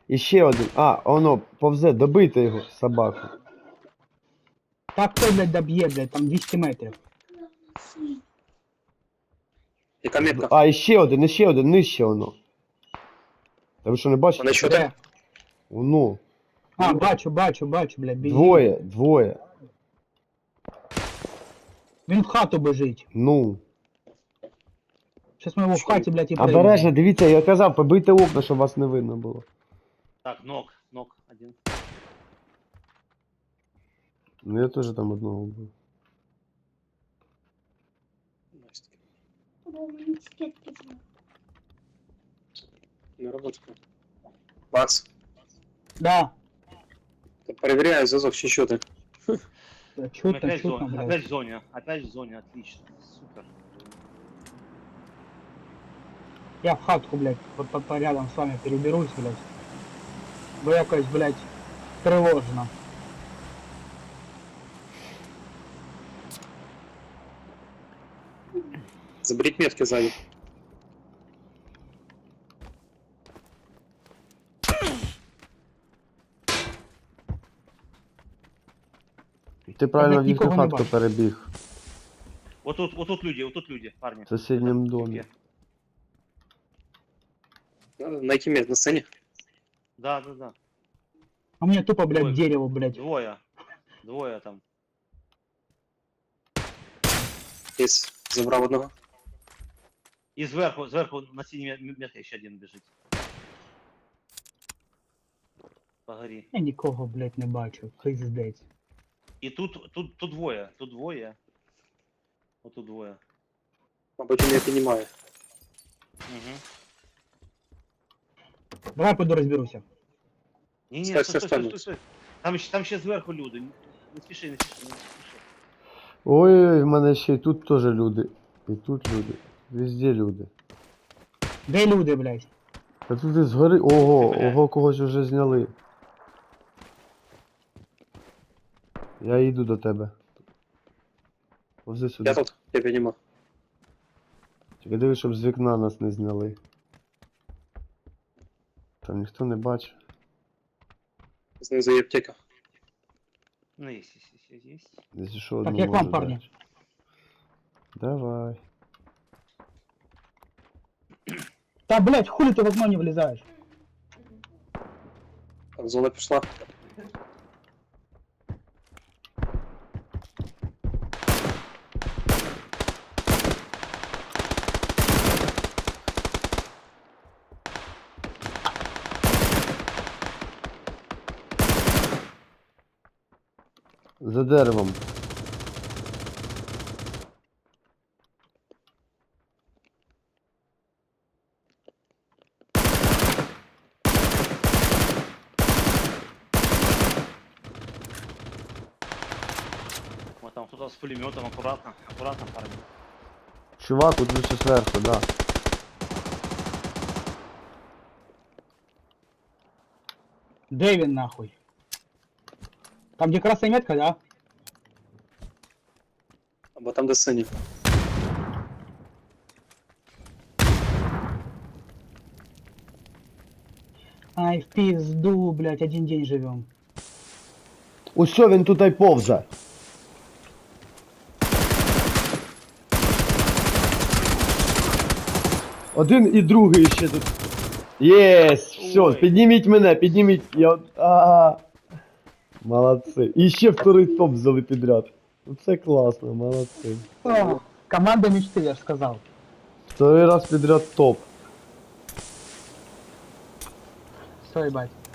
І ще один. А, воно, повзе, добийте його, собаку. Так хто, блядь, доб'є, блядь, там 200 метрів. Яка метка? А, і ще один, нижче воно. Та ви що не бачите? Вони що Де? так? Воно. А, бачу, блядь, біжить. Двоє. Він в хату біжить. Ну. Щас ми його в хаті, блядь, і Обережно, приймемо. дивіться, я казав, побийте окна, щоб вас не видно було. Так, нок один. Ну я теж там одного вбив. Не робота. Макс, Да. перевіряю зв'язок, чи що ти? Чутно, Опять в чутно, зоне, блядь. опять в зоне, отлично, супер. Я в хатку, блядь, по рядом с вами переберусь, блядь. Бо якось, блядь, тривожно. Заберіть метки ззаді. Ти правильно в нікого їхню не хатку бачу. перебіг. Вот тут люди, парни. В сусідньому Это, домі. типе. На якій метці? На сцені? Да. А мне тупо, блядь, Ой. дерево, блядь. Двое там. Єс, забрав одного. И сверху на синей метке еще один бежит. Погори. Я нікого, блядь, не бачу. Пиздець. И тут двое. Вот тут двое. Мабуть, він не піднімає. Угу. Давай пойду розберуся. Не, Стой, стой. стой. Там ще зверху люди. Не спіши. Ой, в мене ще і тут теж люди. І тут люди. Везде люди. Де люди, блядь? Та тут і згори. Ого, Блядь. когось вже зняли. Я йду до тебе. Повзи сюди. Я тут, я піднімав. Тільки дивись, щоб з вікна нас не зняли. Там ніхто не бачить. Знизу є аптека. Ну, есть. Десь що Так, одну як вам, можу парні? дати. Давай. Та, блядь, хули ти в окно не влізаєш? Так, зона пішла. За деревом. Вот там кто-то с пулеметом, аккуратно, парни. Чувак, тут лише зверху, да. Де він, нахуй? Там, де красна метка, да? Або там, де сині. Ай, в пизду, блядь, один день живем. Усьо, він тут й повзе. Один і другий ще тут. Єс! Все, Ой. підніміть мене, підніміть. Молодці. І ще вторий топ взяли підряд. Це класно, молодці. О, команда мечты, я ж сказал. Второй раз підряд топ. Все, ебать.